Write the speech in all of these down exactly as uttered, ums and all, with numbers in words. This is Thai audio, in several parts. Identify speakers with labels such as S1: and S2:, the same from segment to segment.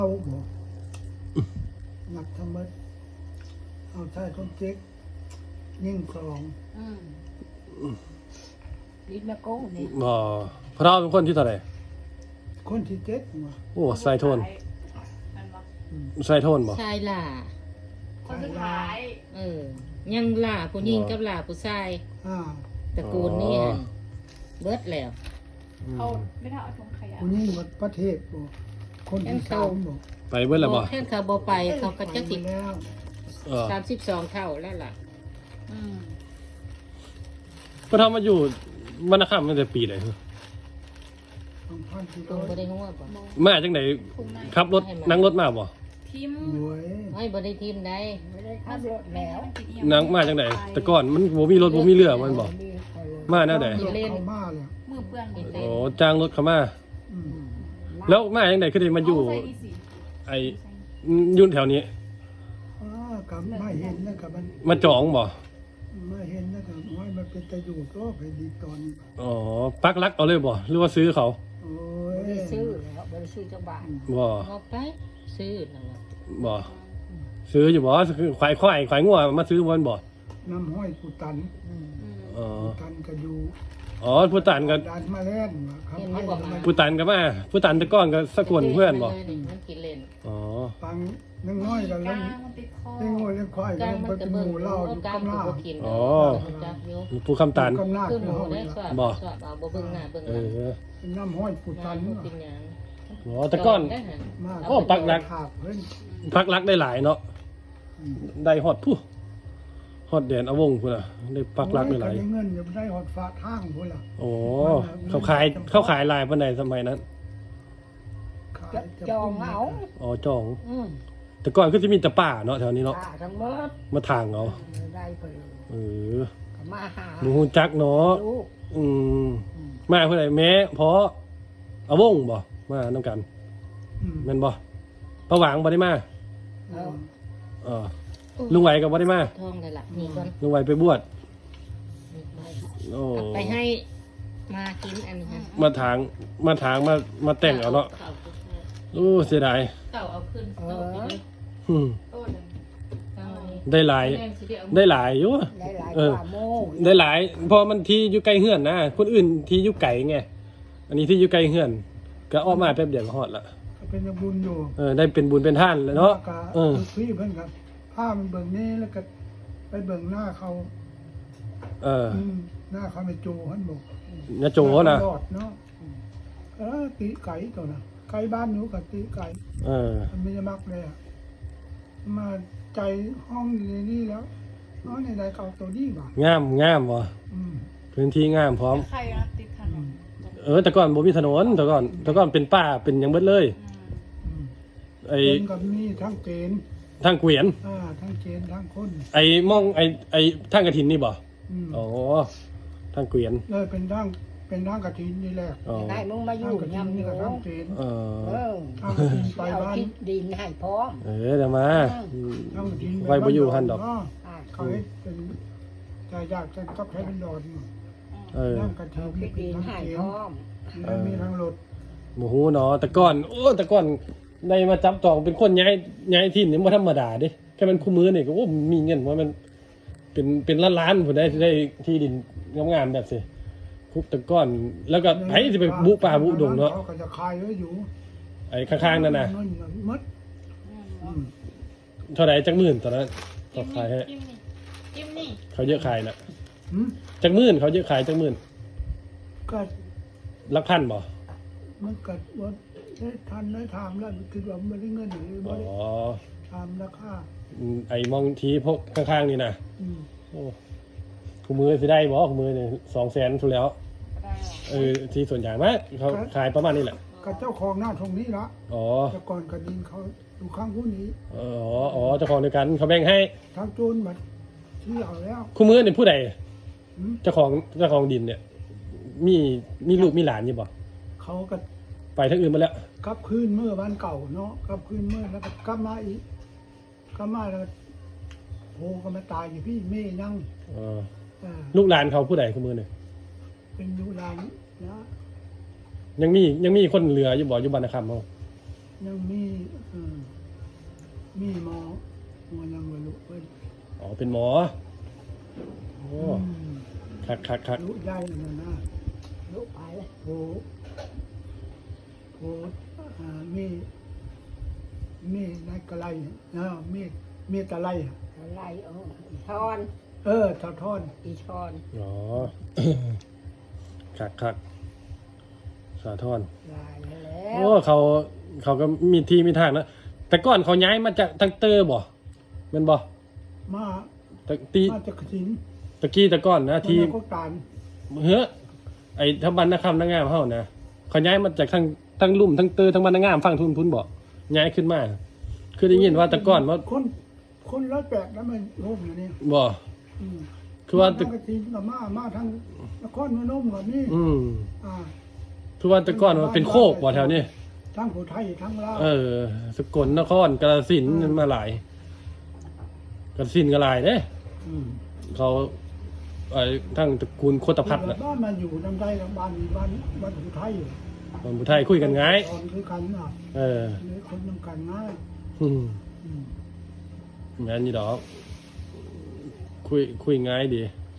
S1: เอาบ่หนักทั้งหมดเอาชายคนเจ๊กยิ่งคลอง
S2: อืมลิ้นแม่โก้นี่
S3: บ่พระเราเป็นคนที่เท่าไหร่
S1: คนที่เจ็ดมา
S3: โอ้ใส่โทนใส่โทนบ่
S4: ชายล่า
S2: คนสุดท้าย
S4: เออยังล่าผู้หญิงกับล่าผู้ชาย
S1: อ่า
S4: ตระกูลนี้หั่นเบิดแล้ว
S2: เขาไม่ได้เอาถุงขยะ
S1: คนยิ่งหมดประเทศบ่คนที่สามบ่
S3: ไปเบิดแล้วบ่
S4: แค่เขาบ่ไปเขาก็จะสิ
S1: ไปแล้ว
S3: เออ
S4: สามสิบสองเท่าแล้วล่ะ
S2: อืม
S3: พระเรามาอยู่บรรณคำตั้งแต่ปีไหน
S1: สองพันสี่
S4: ตร
S1: ร้
S4: ง
S1: อย
S4: บ่ได้หัวบ่
S3: มาจังได๋ขับรถนั่งรถมาบ่
S2: ทิม
S1: หวย
S4: ให้บ่ได้ทีมใด
S2: ไม่ได้ขับรถแล้ว
S3: นั่งมาจังได๋แต่ก่อนมันบ่มีรถบ่มีเรือมันบ่มาแนวใด
S1: เข้ามาเลย
S2: มือเปื้อน
S4: เห็น
S3: โอ้
S4: เล่น
S3: จ้างรถเข้ามา
S1: อืม
S3: แล้วมาจังได๋คือได้มาอยู่
S2: เใส่อีสิ
S3: ไอ้อยู่แถวนี้
S1: อ่ากับไม่เห็นนะกับมัน
S3: มาจองบ่
S1: ไม่เห็นนะกับว่ามันเป็นตะอยู่ก็ไปดีตอน
S3: อ๋อปักหลักเอาเลยบ่หรือว่าซื้อเขา
S1: โอ้ย
S2: ไม่ได้ซื้อแล้วไม่ได้ซื้อจังบาท
S3: บ่
S4: เอาไปซื้อนั่นล่ะ
S3: บ่ซื้ออยู่บ่คือควายควายควายงัวมาซื้อบ่บ่
S1: น้ำห้อยกูตัน
S2: อืม
S3: อ๋อ
S1: ตันก็อยู่
S3: อ๋อผู้ตันก็
S1: ดันมาเล่นครับให้มัน
S3: ผู้ตันก็มาผู้ตันแต่ก่อนก็สะกวนเพื่อนบ่
S4: มันกินเล่น
S3: อ๋อ
S1: ฟังนึงน้อยกัน
S2: ก
S1: แล้
S2: ลาว งมันติดคอ
S1: เล่นงวยเล่นควาย
S4: ก
S1: ก็
S4: ลาง
S1: ลง
S4: มั
S1: ไป
S4: น
S1: เป็
S4: ก็
S1: นห
S4: เบิ่ง
S1: มูเหล้าอยู่
S4: กลาง
S1: ข้างห
S4: มัน
S1: น้า
S4: ก็กิน
S3: อ๋อ
S4: จับอยู่
S3: ผู้คำตัน
S1: กำหน้า
S4: ขึ้น
S1: คือ
S4: หู
S1: เขา
S4: ได้
S1: เนี่ย
S4: สอบ
S3: บ่
S4: สอบเอาบ่เบิ่งหน้าเบิ่งห
S3: เอ
S4: ลัง
S3: อ
S1: น้ำห้อยกูตัน
S4: บ่เป็นหยัง
S3: อ๋อแต่ก่อน
S4: ได้หั่น
S1: มาก
S3: โอ้ปักหลัก
S1: ขาดเพิ่น
S3: พักรักได้หลายเนาะได้ฮอดผู้ฮอดแดนอาวงพุ่นน่ะได้ปักรักได้หลาย
S1: โอ้เงินอย่าได้หอดฟ้าทางพุ่นล่ะ
S3: โอ้เขาขายเขาขายลายปานใดสมัยนั้น
S1: ขายะ
S2: จองเอา
S3: อ๋อจอง
S2: อืม
S3: แต่ก่อนก็จะมีแต่ป่าเนาะแถวนี้เนาะ
S2: ป้าทั้งหมด
S3: มาทางเอา
S2: ได้ไปเลย
S3: เออ
S2: ก็มาหา
S3: หนูฮู้จักเนาะ
S2: ลูก
S3: อืมมาเพิ่นได้แม้เพราะอาวงบ่มานํกัน
S1: อืม
S3: แม่นบ่ประหวังบ่ได้มา
S2: แล้ว
S3: เออลุงไหวก็บ่ได้มา
S4: ทองเลยล่ะนี่ก่อน
S3: ลุงไหวไปบวช
S4: นี่ไป
S3: โอ้
S4: เอาไปให้มากินอันนี้ฮะ
S3: มาทางมาทางมามาแต่งเอาเนาะ
S4: ข้าวผู้ชาย
S3: โอ้เสียดาย
S4: ข้าวเอาขึ้นโต๊ะไปเลย
S3: อืม
S2: โต้น
S4: ข้าวนี้
S3: ได้หลาย
S4: แม่งสิได้เอา
S3: ได้หลายอยู่
S2: หลายหลาย
S3: เออ
S2: กว่าโม่
S3: ได้หลายเพอมันที่อยู่ใกล้เฮือนนะคนอื่นที่อยู่ไกลไงอันนี้ที่อยู่ใกล้เฮือน ก็ออกมาแป๊บเดียวก็ฮอดละ
S1: ก็เป็นบุญอยู่
S3: เออได้เป็นบุญเป็นท่านแล้วเนาะ
S1: ก
S3: เออ
S1: พี่เพิ่นครับผ้ามันเบิ่งนี้แล้วก็ไปเบิ่งหน้าเขา
S3: เออ
S1: อืมหน้าเขาไม่โจหันบอก
S3: นะโจนะ
S1: รอดเนาะเออตีไก่ตัวนะไก่บ้านหนูกับตีไก่
S3: เออ
S1: มันไม่ได้มักเลยอะมาใจห้องอยู่ในนี่แล้วน้องในใดเขาตัวนี้บ่ะ
S3: งามงามบ่
S1: อืม
S3: พื้นที่งามพร้อม
S2: ใครนะติดถนน
S3: เออ แต่ก่อนบ่มีถนนแต่ก่อนแต่ก่อนเป็นป่าเป็นหยังเบิดเลย
S1: อืม
S3: ไอ้
S1: เป็นกับมีทั้งเกณฑ์
S3: ทางเกวียน
S1: อ่าทั้งเกณฑ์ทั้งคน
S3: ไอ้มองไอ้ไอ้ทางกฐินนี่บ่
S1: อืม
S3: อ๋อทางเกวียน
S1: เลยเป็นทั้งเป็นทั้งกระถินนี่แหละ
S3: อ๋อ
S2: ได้มึงมาอ
S1: ทั้ง
S2: ยู่
S1: กระถิน
S2: ยำอ
S1: นี่
S2: ยู่
S1: ก็ทั้งเกณฑ์
S3: เอ
S2: เอ
S3: อ
S2: อ
S1: ทั้งกระถินไป
S2: เอา
S1: บ้าน
S2: คิดดินให้พร้อม
S3: เออเดี๋ยวมาอืม
S1: ทั้งกระถิน
S3: ไว้บ่อยู่หั่นดอก
S1: เาะ
S2: อ่า
S1: เขาให้เป็นใจยากจะก็ใช้เป็นดอน
S3: เออ
S1: ทั้งกระถิ
S2: เอา
S1: น
S2: คิดดิน
S1: ทั้ง
S2: ให้
S1: เกณ
S2: พร้
S1: ฑ์
S2: อม
S1: แล้วมีทั้งรถ
S3: หมูฮูเนาะแต่ก่อนโอ้แต่ก่อนได้มาจับจองเป็นคนย้ายย้ายที่นี่บ่ธรรมดาเด้แค่มันคู่มือนี่ก็โอ้มีเงินว่ามัน เป็นเป็นล้านๆผมได้ได้ที่ดินงามๆแบบสิคุกแต่ก่อน แล้วก็ไผสิไปบุป่าบุดงเนาะ
S1: เขาก็จะคายไว้อยู่
S3: ไอ้ข้างๆนั่นน่ะ
S1: มัดอืม
S3: เท่าไหร่จักหมื่นตอนนั้นเขาขายให้
S2: จิ้มนี่จิ้มนี่
S3: เขาเยอะขายน่ะ
S1: หืม
S3: จักหมื่นเขาเยอะขายจักหมื่น
S1: ก็
S3: หลักพันบ่
S1: มันกัดว่าได้ทันได้ถามแล้วคือว่าไม่ได้เงินหรือ
S3: อ๋
S1: ไม่
S3: อ
S1: ได้ถามราคา
S3: อืมไอ้มองทีพวกข้างๆนี่น่ะ
S1: อืม
S3: โอ้คู่มือสิได้บ่คู่มือนี่สองแสนทุแล้ว
S2: ได้หรอ
S3: เออที่ส่วนใหญ่มากเขาขายประมาณนี้แหละ
S1: กับเจ้าของหน้าตรงนี้ละ
S3: อ๋อ
S1: แต่ก่อนกระดินเขาอยู่ข้างผู้นี้
S3: อ๋ออ๋อเจ้าของเดียวกันเขาแบ่งให้
S1: ทางโจรมาที่เอาแล้ว
S3: คู่มือนี่ผู้ใด
S1: หืม
S3: เจ้าของเจ้าของดินเนี่ย มีมีลูกมีหลานอยู่บ่
S1: เขาก็
S3: ไปทั้งอื่นมาแล้ว
S1: กลับคืนเมื่อวันเก่าเนาะกลับคืนเมื่อแล้วก็กลับมาอีกกลับมาแล้วโผล่ก็มาตายอยู่พี่เม่ยัง
S3: เออ
S1: อ่า
S3: ลูกหลานเขาผู้ใดคู่มือเนี่ย
S1: เป็นอยู่ลานนะ
S3: ยังมียังมีคนเหลืออยู่บ่อยู่บ้านนาคำเขา
S1: ยังมีเออมีหมอหมอยังบ่รู้เพิ่น
S3: อ๋อเป็นหมอโอ้
S1: อืม
S3: คักคักคัก
S1: รู้ใหญ่นั่นนะ
S2: ลูกไปเลย
S1: โอ้โหอ่ามีมีนายกะไลเนาะมีมีตะไล
S2: อะไรเอออีทอน
S1: เออทอทอน
S2: อีทอน
S3: อ๋อ คักคักสาทร
S2: ลายแล้ว
S3: โอ้เขาเขาก็มีที่มีทางนะแต่ก่อนเขาย้ายมาจากทางเตอร์บ่แมันบ่
S1: มา
S3: ตะตี
S1: มาจากสิงห์
S3: ตะกี้แต่ก่อนนะที่
S1: มันก็ตาน
S3: เฮ้อไอ้ทั้งบ้านนาคำนางงามเฮานะเขาย้ายมาจากทางทางลุ่มทางเตอร์ทางบ้านนางงามฝั่งทุนพุ่นบ่ย้ายขึ้นมา คือได้ยินว่าแต่ก่อนว่า
S1: คนคนร้อยแปดแล้วมันร่มอยู่นี่
S3: บ่
S1: อืม
S3: คือว่า
S1: ทางกระสินกับมามาทางนครพนมกับนี่
S3: อืม
S1: อ่า
S3: คือว่าแต่ก่อนว่าเป็นโคกบ่แถวนี้
S1: ทั้งผู้ไทยทั้งลาว
S3: เออ สกลนครกาฬสินธุ์มาหลายกาฬสินธุ์ก็หลายเด้
S1: อืม
S3: เขาไอ้ทั้งตระกูลโคตรพัฒน์น่ะ
S1: บ้านมาอยู่ลำไส้ลำบานบ้านบ้านผู้ไทย
S3: คนผู้ไทยคุยกันง่าย
S1: ตอนคือกันอ่ะ
S3: เออ
S1: หรือคนนำกันง่าย
S3: อืม
S1: อืม
S3: แม่นนี่ดอกคุยคุยง่ายดี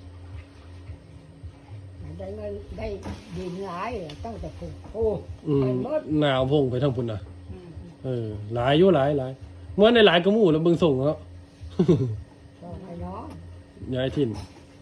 S2: ได้เงินได้ดินหลายต้องแต่ผูกโอ้
S3: อืม
S2: ไปหมด
S3: หนาวพงไปทางพุ่นน่ะ
S2: อืม
S3: เออ หลายอยู่หลายหลายเมื่อในหลายก็หมู่แล้วเบิ่งส่งแล้ว
S2: บอกให้น้อง
S3: ย้ายถิ่น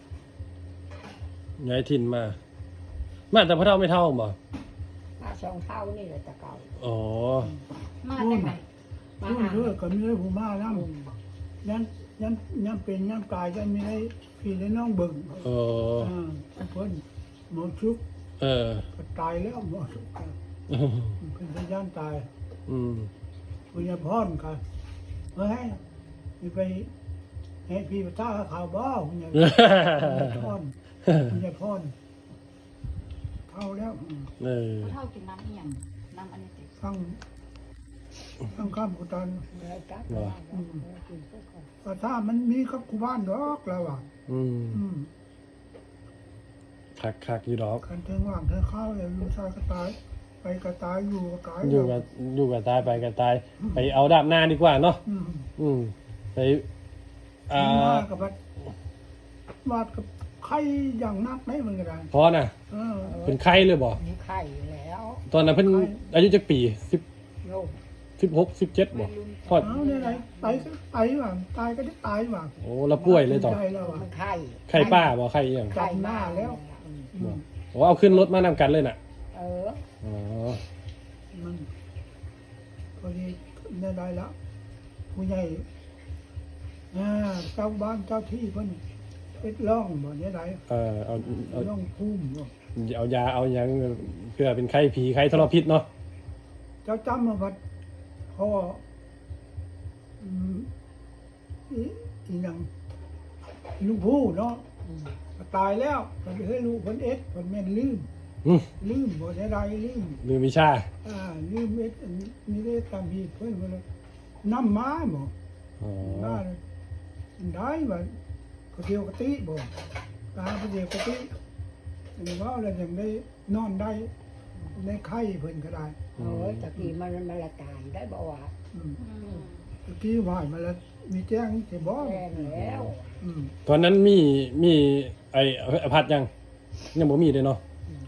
S3: ย้ายถิ่นมา มาแต่พระเท่าไม่เท่าบ่
S2: มาสองเท่านี่แหละแต่เก่า
S3: อ๋อ
S2: มาได้ไหมมา
S1: ช่วย
S2: หา
S1: ด้วยก็มีผู้มาแล้วยันยันยันเป็นยันกายยันมีได้พี่ได้น้องเบิ่ง
S3: เออ
S1: อ่าเพิ่นหมอชุก
S3: เออ
S1: ก็ตายแล้วหมอชุกก็เพิ่นเป็นย่านตาย
S3: อืม
S1: ปุญญพรค่ะเฮ้ยมีไปให้พี่ไปท่าข่าวบ้าปุญญพรปุญญพรเข้าแล้วอืม
S3: เออ
S5: เท่ากินน้ำเอียงน้ำอันนี้ติ
S1: ทั้งทั้งข้ามกุตัน
S2: เลยกลับ
S3: เหรอ
S2: อืมกินเพื่อก่อน
S1: แต่ถ้ามันมีกับคูบ้านดอกแล้วอ่ะ
S3: อืม
S1: อืม
S3: คักคักอยู่ดอก
S1: คันเทิงว่างเทิงเข้าเลยอยู่ชายก็ตาย ไปก็ตายอยู่ก็ตาย
S3: อยู่กับอยู่กับตายไปกับตาย ไปเอาดาบหน้าดีกว่าเนาะ
S1: อืม
S3: อืมไปอ่า
S1: มากับวัดวาดกับใครอย่างนักไหนมันก็ได้
S3: พอน่ะ
S1: เออ
S3: เป็นไข้เลยบ่
S2: มีไข่แล้ว
S3: ตอนนั้นเพิ่นอายุจักปีสิบ
S2: โยม
S3: สิบหกสิบเจ็ดบ่พอด
S1: เอาเนี่ยไหนไปก็ไปว่างตายก็ได้ตายว่าง
S3: โอ้แล้วป่วยเลยต่อ
S1: ใจแล้วอ่ะ
S2: มันไข่
S3: ไข้ป้าบ่ไข้อีหยัง
S1: จำหน้าแล้ว
S2: อืม
S1: อืม
S3: โอ้เอาขึ้นรถมานำกันเลยน่ะ
S2: เออ
S3: อ๋อ
S1: มันพอดีได้ได้แล้วผู้ใหญ่อ่าเจ้าบ้านเจ้าที่เพิ่นเป็ดร่องบ่เนี่ยได้
S3: เออเอาเอา
S1: ร่องภูมิบ่
S3: เอายาเอาหยังเพื่อเป็นไข้ผีไข้ทรพิษเนาะ
S1: เจ้าจำมาวัดพ่ออืมอีอีหยังลูกผู้เนาะ
S2: อืม
S1: ตายแล้วเพิ่นเฮ้ยลูกเพิ่นเอ็ดเพิ่นแม่นลืม
S3: อืม
S1: ลืมบ่ได้ได้ลืม
S3: ลืมวิชา
S1: อ่าลืมเอ็ดอันนี้ได้ตามที่เพิ่นว่าเลยน้ำมาบ่
S3: อ๋อ
S1: ได้ได้บ่ก็เดียวกะติบ่ตาก็เดียวกะติอันนี้ว่าแล้วยังได้นอนได้ได้ไข้เพิ่นก็ได้
S2: เออตะกี้มันมันละตายได้บ่ว่า
S1: อืมตะกี้ว่ามาแล้วมีแจ้งสิบ่
S2: แรงแล้ว
S1: อืม
S3: ตอนนั้นมีมีไอ้อภัทรยังยังบ่มีเลยเนาะ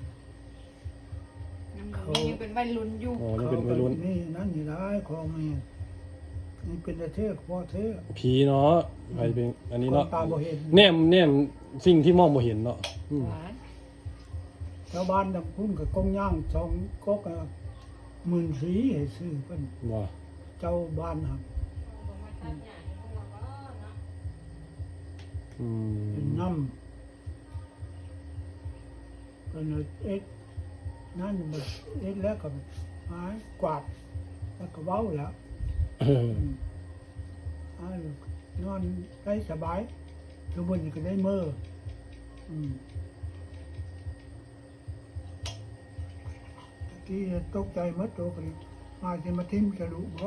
S5: ยังเป็นวัยรุ่นอยู่
S3: โอ้นี่เป็นวัยรุ่น
S1: นี่นั่นนี่ได้ของแม่นี่เป็นแต่เทศพ่อเทศ
S3: ผีเนาะไปเป็นอันนี้เนาะ
S1: คนตาบ่เห็น
S3: แนมแนมสิ่งที่มองบ่เห็นเนาะอืม
S2: หวาน
S1: ชาวบ้านดำพุ่นกับกงย่างสองกกอะหมื่นสีให้ซื้อเพิ่น
S3: ว่า
S1: เจ้าบ้านครับ
S3: อื
S1: เป็น
S3: ม
S1: น้ำเป็นเอ็ดนั่นมันเอ็ดแล้วก็หายกวาดแล้วก็เว้าแล้ว
S3: เออ
S1: หายนอนได้สบายทุกวันนี้ก็ได้เมื่ออืมตะกี้ตกใจหมัดตัวกันมาจะมาทิ่มกระดูกบ่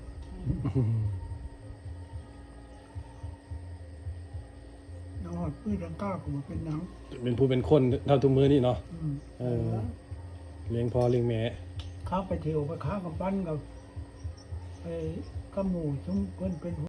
S1: นอนพื้นดังก้าก็มาเป็นหนัง
S3: เป็นผู้เป็นคนเท่าทุกมือนี่เนาะ
S1: อืม
S3: เออเลี้ยงพ่อเลี้ยงแม่
S1: ข้าไปเที่ยวไปค้ากับปั้นกับไปกระหมู่ชุมคนเป็น